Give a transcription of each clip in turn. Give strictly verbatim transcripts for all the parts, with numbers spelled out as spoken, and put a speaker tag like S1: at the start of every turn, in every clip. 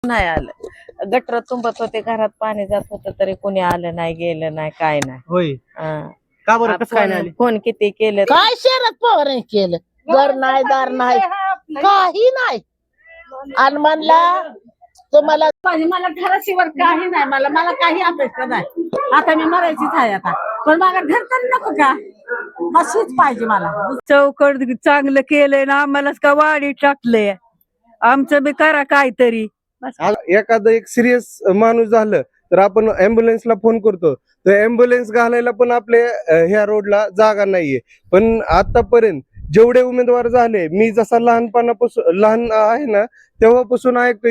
S1: नाही आलं. गटर तुंबत होते, घरात पाणी जात होतं तरी कोणी आलं नाही, गेलं नाही, काय नाही.
S2: होय
S1: हा.
S2: का बरं कसं काय नाही आली?
S1: फोन किती केलं
S3: काय शरद पवार केलं? घर नाही, दार नाही, काही नाही. आणि म्हणला तुम्हाला मला घराशिवाय काही नाही, मला मला काही अपेक्षा नाही. आता मी मरायचीच आहे आता, पण मला घर तर नको का? मशीच पाहिजे मला.
S4: चौकट चांगलं केलंय ना, आम्हालाच का वाढी टाकलंय. आमचं बी करा काहीतरी.
S5: एखादं एक सिरियस माणूस झालं तर आपण अँब्युलन्सला फोन करतो, तर अँब्युलन्स घालायला पण आपल्या ह्या रोडला जागा नाहीये. पण आतापर्यंत जेवढे उमेदवार झाले, मी जसा लहानपणापासून लहान आहे ना तेव्हापासून ऐकतोय.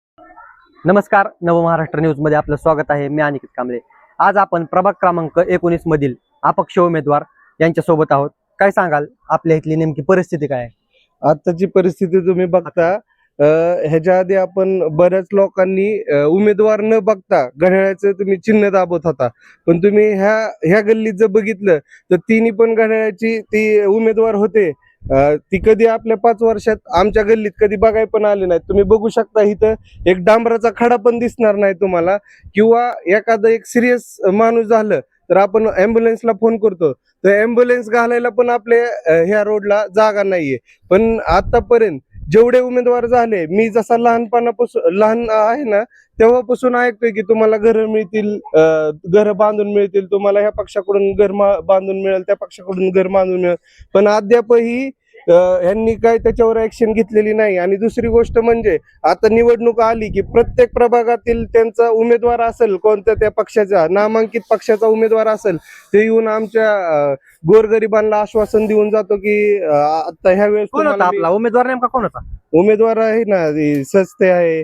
S2: नमस्कार, नव महाराष्ट्र न्यूज मध्ये आपलं स्वागत आहे. मी अनिकेत कांबळे. आज आपण प्रभाग क्रमांक एकोणीस मधील अपक्ष उमेदवार यांच्या सोबत आहोत. काय सांगाल, आपल्या इथली नेमकी परिस्थिती काय आहे?
S5: आताची परिस्थिती तुम्ही बघता, ह्याच्या आधी आपण बऱ्याच लोकांनी उमेदवार न बघता घड्याळाचं तुम्ही चिन्ह दाबत होता, पण तुम्ही ह्या ह्या गल्लीत जर बघितलं तर तिन्ही पण घड्याळाची ती उमेदवार होते. ती कधी आपल्या पाच वर्षात आमच्या गल्लीत कधी बघाय पण आले नाहीत. तुम्ही बघू शकता इथं एक डांबराचा खडा पण दिसणार नाही तुम्हाला. किंवा एखादं एक सिरियस माणूस झालं तर आपण अँब्युलन्सला फोन करतो, तर अँब्युलन्स घालायला पण आपल्या ह्या रोडला जागा नाहीये. पण आतापर्यंत जेवढे उमेदवार झाले, मी जसा लहानपणापासून लहान आहे ना तेव्हापासून ऐकतोय की तुम्हाला घर मिळतील, घर बांधून मिळतील, तुम्हाला ह्या पक्षाकडून घर बांधून मिळेल, त्या पक्षाकडून घर बांधून मिळेल. पण अद्यापही यांनी काय त्याच्यावर ऍक्शन घेतलेली नाही. आणि दुसरी गोष्ट म्हणजे आता निवडणूक आली की प्रत्येक प्रभागातील त्यांचा उमेदवार असेल, कोणत्या त्या पक्षाचा नामांकित पक्षाचा उमेदवार असेल, ते येऊन आमच्या गोरगरिबांना आश्वासन देऊन जातो की आता ह्या वेळेस
S2: कोण होता आपला उमेदवार? नेमका कोण होता?
S5: उमेदवार आहे ना, ती सस्ते आहे,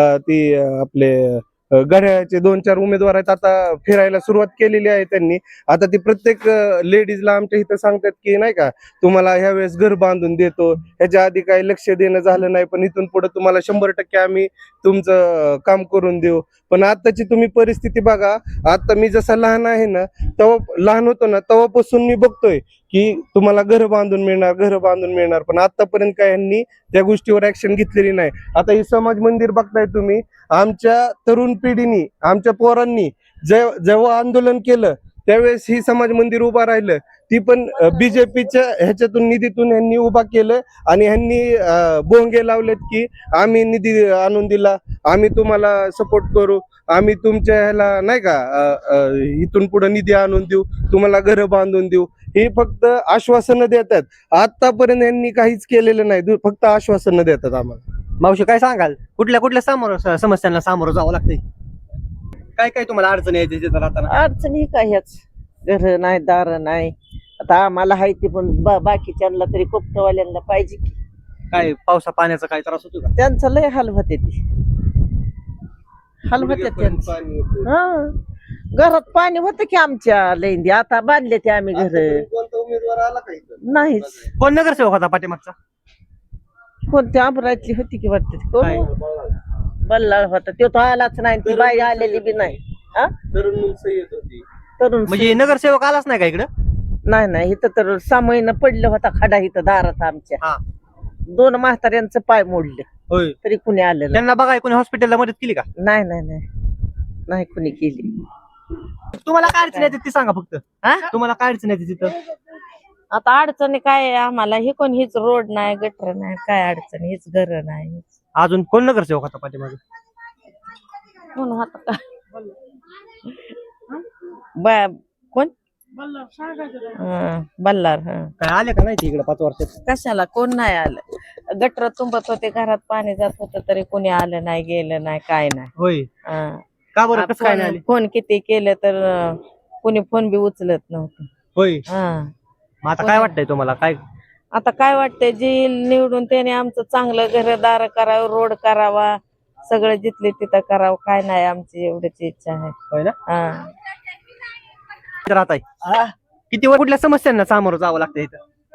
S5: ती आपले घड्याळाचे दोन चार उमेदवार आहेत. आता फिरायला सुरुवात केलेली आहे त्यांनी. आता ती प्रत्येक लेडीजला आमच्या इथं सांगतात की नाही का, तुम्हाला ह्या वेळेस घर बांधून देतो. ह्याच्या आधी काही लक्ष देणं झालं नाही, पण इथून पुढे तुम्हाला शंभर टक्के आम्ही तुमचं काम करून देऊ. पण आताची तुम्ही परिस्थिती बघा. आता मी जसा लहान आहे ना, तेव्हा लहान होतो ना तेव्हापासून मी बघतोय की तुम्हाला घर बांधून मिळणार, घर बांधून मिळणार. पण आतापर्यंत काय यांनी त्या गोष्टीवर ऍक्शन घेतलेली नाही. आता हे समाज मंदिर बघताय तुम्ही, आमच्या तरुण पिढीनी, आमच्या पोरांनी जेव्हा आंदोलन केलं त्यावेळेस ही समाज मंदिर उभा राहिलं. ती पण बीजेपीच्या ह्याच्यातून निधीतून यांनी उभा केलं. आणि ह्यांनी बोंगे लावलेत की आम्ही निधी आणून दिला, आम्ही तुम्हाला सपोर्ट करू, आम्ही तुमच्या ह्याला नाही का इथून पुढे निधी आणून देऊ, तुम्हाला घर बांधून देऊ. हे फक्त आश्वासनं देतात. आतापर्यंत यांनी काहीच केलेलं नाही, फक्त आश्वासनं देतात आम्हाला.
S2: मावशी काय सांगाल, कुठल्या कुठल्या सामोर समस्यांना सामोरं जावं लागतंय? काय काय तुम्हाला अडचणी येते तिथं राहताना?
S1: अडचणी काय ह्याच, घर नाही, दार नाही. आता आम्हाला हाय ते, पण बाकीच्यांना तरी कोपटवाल्यांना पाहिजे की.
S2: काय पावसा पाण्याचा काय त्रास होतो का?
S1: त्यांचं लय हाल होते, ते हाल होते त्यांचं. हा, घरात पाणी होतं की आमच्या लैंदी. आता बांधले ते आम्ही घर.
S5: कोणता उमेदवार आला का इथं?
S1: नाहीच.
S2: कोण नगरसेवक होता पाठीमागचा?
S1: कोणत्या अमरावती होती की वाटते,
S2: काय?
S1: बल्लाळ होता. तो तो आलाच नाही, ती बाई आलेली बी नाही. हा,
S5: तरुण मुलं येत होती.
S1: तरुण
S2: म्हणजे नगरसेवक आलाच नाही का इकडं?
S1: नाही नाही, इथं तर सहा महिने पडलं होता खडा इथं दारात आमच्या.
S2: हा.
S1: दोन म्हाताऱ्यांचं पाय मोडले
S2: होय.
S1: तरी कुणी आलं नाही.
S2: त्यांना बघा, कोणी हॉस्पिटलला मदत केली का?
S1: नाही नाही नाही नाही कुणी केली.
S2: तुम्हाला काय अडचण येते ती सांगा फक्त.
S1: हा?
S2: तुम्हाला काय अडचण येते तिथं?
S1: आता अडचणी काय आहे आम्हाला, हे कोण हीच रोड नाही, गटर नाही, काय अडचण, हीच घर नाही.
S2: अजून कोण नगरसेवक होता पाठीमागे?
S1: कोण होता का बा, कोण बल्लार. हा,
S2: काय आले का नाही इकडे पाच वर्षात?
S1: कशाला कोण नाही आलं. गटर तुंबत होते, घरात पाणी जात होतं तरी कोणी आलं नाही, गेलं नाही, काय नाही.
S2: होय.
S1: हा.
S2: का बरं कसं काय नाही आले?
S1: फोन किती केलं तर कोणी फोन बी उचलत नव्हतं.
S2: होय.
S1: हा.
S2: मग आता काय वाटतंय तुम्हाला? काय
S1: आता काय वाटतंय, जी निवडून त्याने आमचं चांगलं घरदार करावं, रोड करावा, सगळं जिथले तिथं करावं. काय नाही, आमची एवढीच इच्छा आहे.
S2: होय ना?
S1: हा.
S2: राहत आहे किती वर कुठल्या समस्यांना सामोरं जावं लागतं इथं?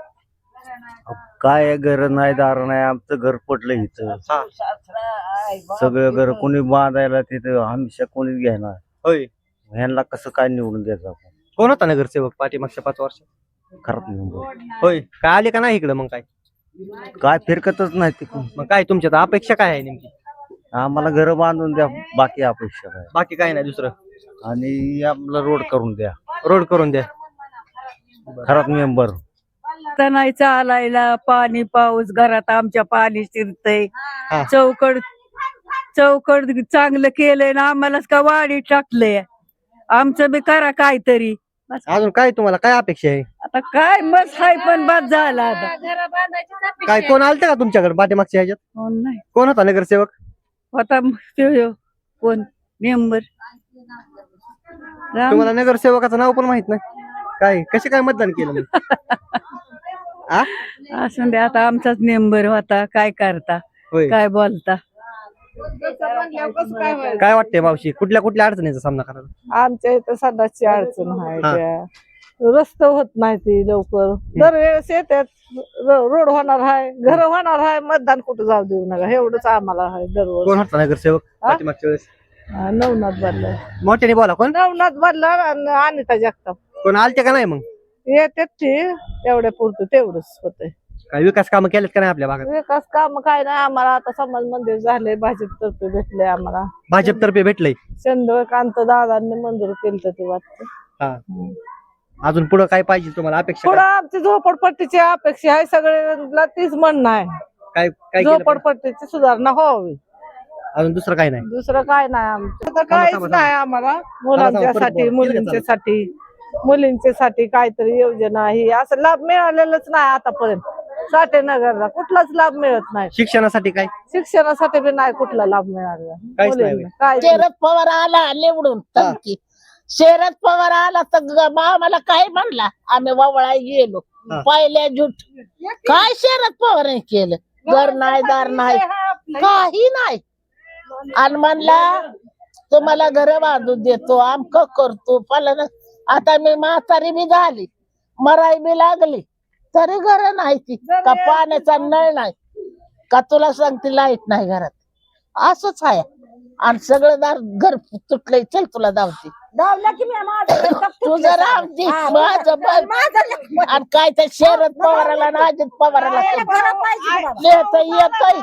S6: काय घर नाही, दार नाही, आमचं घर पडलं इथं. सगळं घर कोणी बांधायला तिथं हमेशा कोणीच घेणार.
S2: होय.
S6: ह्यांना कसं काय निवडून द्यायचं आपण?
S2: कोण होता नगरसेवक पाठीमागच्या पाच वर्ष?
S6: खरंच निवडून
S2: होय. काय आले का नाही इकडं? मग काय
S6: काय फिरकतच नाही तिकडून.
S2: मग काय तुमच्या अपेक्षा काय आहे नेमकी?
S6: आम्हाला घर बांधून द्या, बाकी अपेक्षा नाही.
S2: बाकी काय नाही दुसरं.
S6: आणि आपला रोड करून द्या,
S2: रोड करून द्या.
S6: घरात मेंबर.
S4: आता नाही चालायला, पाणी पाऊस घरात आमच्या पाणी शिरतय.
S2: हा.
S4: चौकड चौकड चांगलं केलंय ना, आम्हालाच का वाढी टाकलंय. आमचं बी करा काहीतरी. बस.
S2: अजून काय तुम्हाला काय अपेक्षा आहे?
S4: आता काय मस हाय पण बाद झाला आता.
S2: काय कोण आलते का तुमच्याकडे पाठीमागच्या ह्याच्यात?
S4: कोण नाही
S2: कोण होता नगरसेवक?
S4: होता त्यो ह्यो. कोण मेंबर
S2: तुम्हाला नगरसेवकाचं नाव पण माहित नाही? काय कसे काय मतदान केलं मग? आ?
S4: असं दे, आता आमचाच मेंबर होता. काय करता,
S2: होय.
S4: काय बोलता.
S2: काय वाटतंय मावशी, कुठल्या कुठल्या अडचणीचा सामना करायला?
S1: आमच्या इथं सदाची अडचण आहे.
S2: हा.
S1: त्या रस्ते होत नाही ती लवकर. दरवेळेस येतात, रोड होणार आहे, घर होणार आहे, मतदान कुठं जाऊ देऊ नका एवढंच आम्हाला आहे दररोज.
S2: कोण होता नगरसेवक पाठीमागच्या वेळेस?
S1: हा, नवनाथ बदला
S2: मोठ्याने बोला. कोण?
S1: नवनाथ बदला आणि अनिता जगताप
S2: कोण आलते का नाही मग?
S1: येतात ती तेवढ्या पुरतं तेवढंच होतंय.
S2: काय विकास कामं केलेत का नाही आपल्या भागात?
S1: विकास काम काय नाही आम्हाला. आता समाज मंदिर झाले, भाजप तर्फे भेटले आम्हाला.
S2: भाजपतर्फे भेटलंय.
S1: चंद्रकांत दादांनी मंजूर केलं ते वाटतं.
S2: हा. अजून पुढे काय पाहिजे तुम्हाला अपेक्षा?
S1: पुढे
S2: काय?
S1: आमची झोपडपट्टीची अपेक्षा आहे, सगळ्यांना तीच म्हणणं आहे.
S2: काय काय केलं पाहिजे?
S1: झोपडपट्टीची सुधारणा व्हावी,
S2: अजून दुसरं काय नाही.
S1: दुसरं काय नाही आमचं. तर
S2: थांबा,
S1: काहीच
S2: थांबा.
S1: नाही आम्हाला.
S2: परत
S1: मुलांच्यासाठी
S2: बोला.
S1: मुलींच्यासाठी मुलींच्यासाठी काहीतरी योजना ही असं लाभ मिळालेलाच नाही आतापर्यंत. साठेनगरला कुठलाच लाभ मिळत नाही.
S2: शिक्षणासाठी काय?
S1: शिक्षणासाठी बी नाही कुठला लाभ मिळालेला
S2: काहीच नाही.
S1: मुलींना. काय
S3: शरद पवार आला निवडून तनकी. शरद पवार आला तर ग- आम्हाला काय म्हणला, आम्ही वावळा गेलो
S2: हा.
S3: पहिल्या जुट. काय शरद पवार केलं? घर नाही, दार नाही, काही नाही. आणि म्हणला तुम्हाला घर बांधून देतो, आमक करतो फलन. आता मी म्हातारी बी झाली, मराई बी लागली, तरी घर नाही ती का पाण्याचा नळ नाही का, तुला सांगते लाईट नाही घरात. असंच आहे. आणि सगळं दार घर तुटलंय. चल तुला धावते तुझं रावती माझं बघ. आणि काय त्या शरद पवाराला ना अजित पवाराला येतय येतय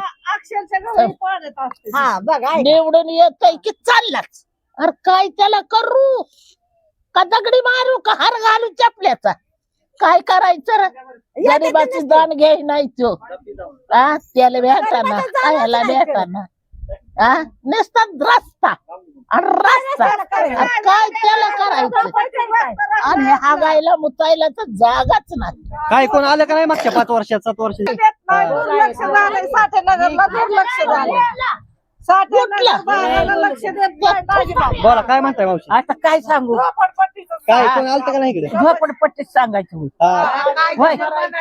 S3: निवडून येतय की चाललाच. अरे काय त्याला करू का, दगडी मारू का, हार घालू चपल्याचा? काय करायचं रे? गरीबाची दान घ्याय नाही तो. हा, त्याला भेटाना खायला भेटाना. हा, नुसता रस्ता आणि रस्ता. अरे काय त्याला करायचं? आणि हागायला मुतायला तर जागाच नाही.
S2: काय कोण आलं का नाही मागच्या पाच वर्षात सात वर्षात?
S1: दुर्लक्ष झालंय साठेनगरला, दुर्लक्ष झालंय. साठेनगरला लक्ष देत नाही.
S2: बोला काय म्हणताय मावशी?
S3: आता काय सांगू?
S2: काय कोण आलतं का नाही इकडे?
S3: झोपडपट्टीच सांगायचं होय.
S2: हा.
S3: होय.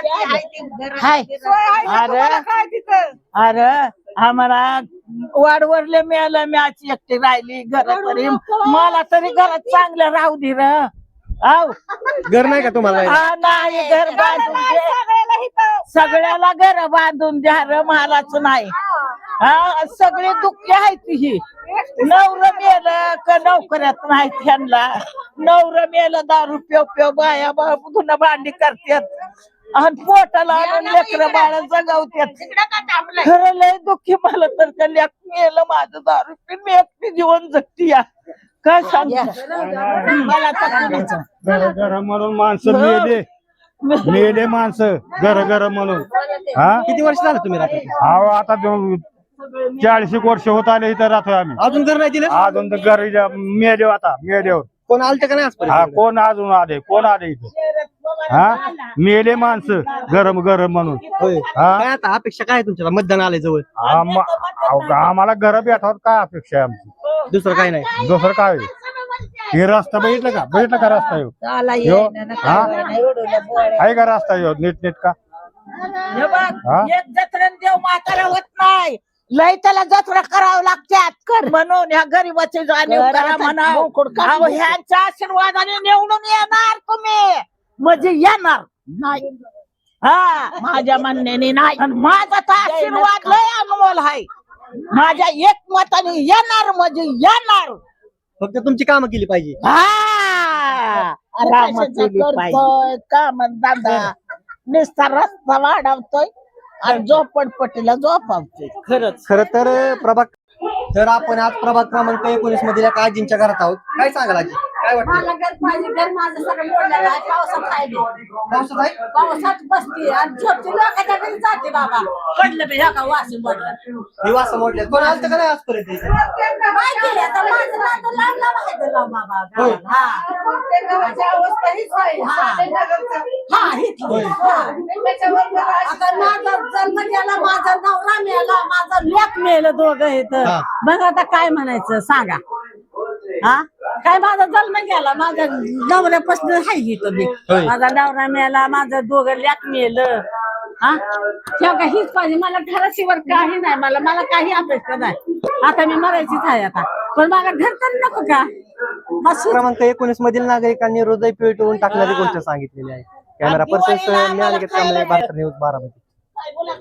S3: हाय. अरे
S1: काय तिथं
S3: अरे आम्हाला वाडवरले मिळालं, मी आज एकटी राहिली घर तरी. मला तरी घरात चांगलं राहू दे र. आव
S2: घर नाही का तुम्हाला?
S3: हा, नाही घर बांधून दे, सगळ्याला घर बांधून द्या र. महाराज नाही. हा, सगळे दुःखी आहेत ही. नवरं मेलं का नोकऱ्यात नाही त्यांना. नवरं मेलं दारू पेव पेव बाया धुणं भांडी करतात आणि पोटाला आणून लेकरं बाळा जगावतात. खरं लय दुःखी. मला तर का लेक मेलं माझं दारू पिऊन, मी एकटी जीवन जगती या. काय सांग मला तर
S7: घर घर म्हणून माणसं मेले मेले माणसं घर घर म्हणून. हा,
S2: किती वर्ष झालं तुम्ही राहता?
S7: अहो आता दोन- चाळीस एक वर्ष होत आले इथं राहतोय आम्ही.
S2: अजून घर नाही दिलं?
S7: अजून तर घरी जा- मेले आता मेल्यावर.
S2: कोण आलतं का नाही
S7: हा,
S2: आजपर्यंत?
S7: कोण अजून आले कोण आले इथं? हा, मेले माणसं गरम गरम म्हणून.
S2: होय.
S7: हा,
S2: काय आता अपेक्षा काय आहे तुमच्या? मतदान आलंय जवळ,
S7: आम- अहो, आम्हाला घर भेटावं काय अपेक्षा आहे आमची?
S2: दुसरं काय नाही.
S7: दुसरं काय होईल? हे रस्ता बघितलं का? बघितलं का रस्ता येऊ? ह्यो? हा, आहे का रस्ता येऊ नीट नीट का? हा?
S3: एक जत्रण देव म्हातारा होत नाही. लय त्याला जत्रा करावं लागतात म्हणून ह्या गरीबाची जाणीव करा म्हणावं. ह्यांच्या आशीर्वादाने निवडून येणार तुम्ही, म्हणजे येणार नाही. हा, माझ्या म्हणण्याने नाही. आणि माझा तर आशीर्वाद लय अनमोल आहे. माझ्या एक मताने येणार म्हणजे येणार.
S2: फक्त तुमची कामं केली पाहिजे.
S3: हा, काम धंदा नुसता रस्ता वाढवतोय आणि झोपडपट्टीला झोपावतोय. खरंच
S2: खर तर प्रभाग तर आपण आज प्रभाग क्रमांक एकोणीस मधील एका आजींच्या घरात आहोत. काय सांगाल आजी, काय वाटतं?
S3: मला घर पाहिजे, घर माझं सगळं मोडलेलं आहे. पावसात राहिले,
S2: पावसात आहे?
S3: पावसात बसते आणि झोपते, लोकांच्या घरी जाते बाबा. पडलं बी ह्या का वाशी पडलं.
S2: ही वासं मोडल्यात. कोण आलं का नाही आजपर्यंत इथे?
S3: माहिती आहे, आता माझं नातं लांब लांब आहे ते लांब बाबा.
S2: होय.
S3: हा. हा, हीच होय. हा. आता माझा जन्म गेला, माझा नवरा मेला, माझा लेक मेलं, दोघं इथं.
S2: हा.
S3: मग आता काय म्हणायचं सांगा. हा, काय माझा जन्म गेला, माझ्या नवऱ्यापासून हाय इथं मी.
S2: होय.
S3: माझा नवरा मेला, माझं दोघं लेक मेलं. हा, ह्या का हीच पाहिजे मला. घराशिवाय काही नाही, मला मला काही अपेक्षा नाही. आता मी मरायचीच आहे आता, पण मला घर तर नको का. बस
S2: क्रमांक एकोणीस मधील नागरिकांनी हृदय पिळवून टाकण्याची गोष्ट सांगितलेली आहे. कॅमेरा पर्सन मी अनिकेत कांबळे, भारत न्यूज बारामती.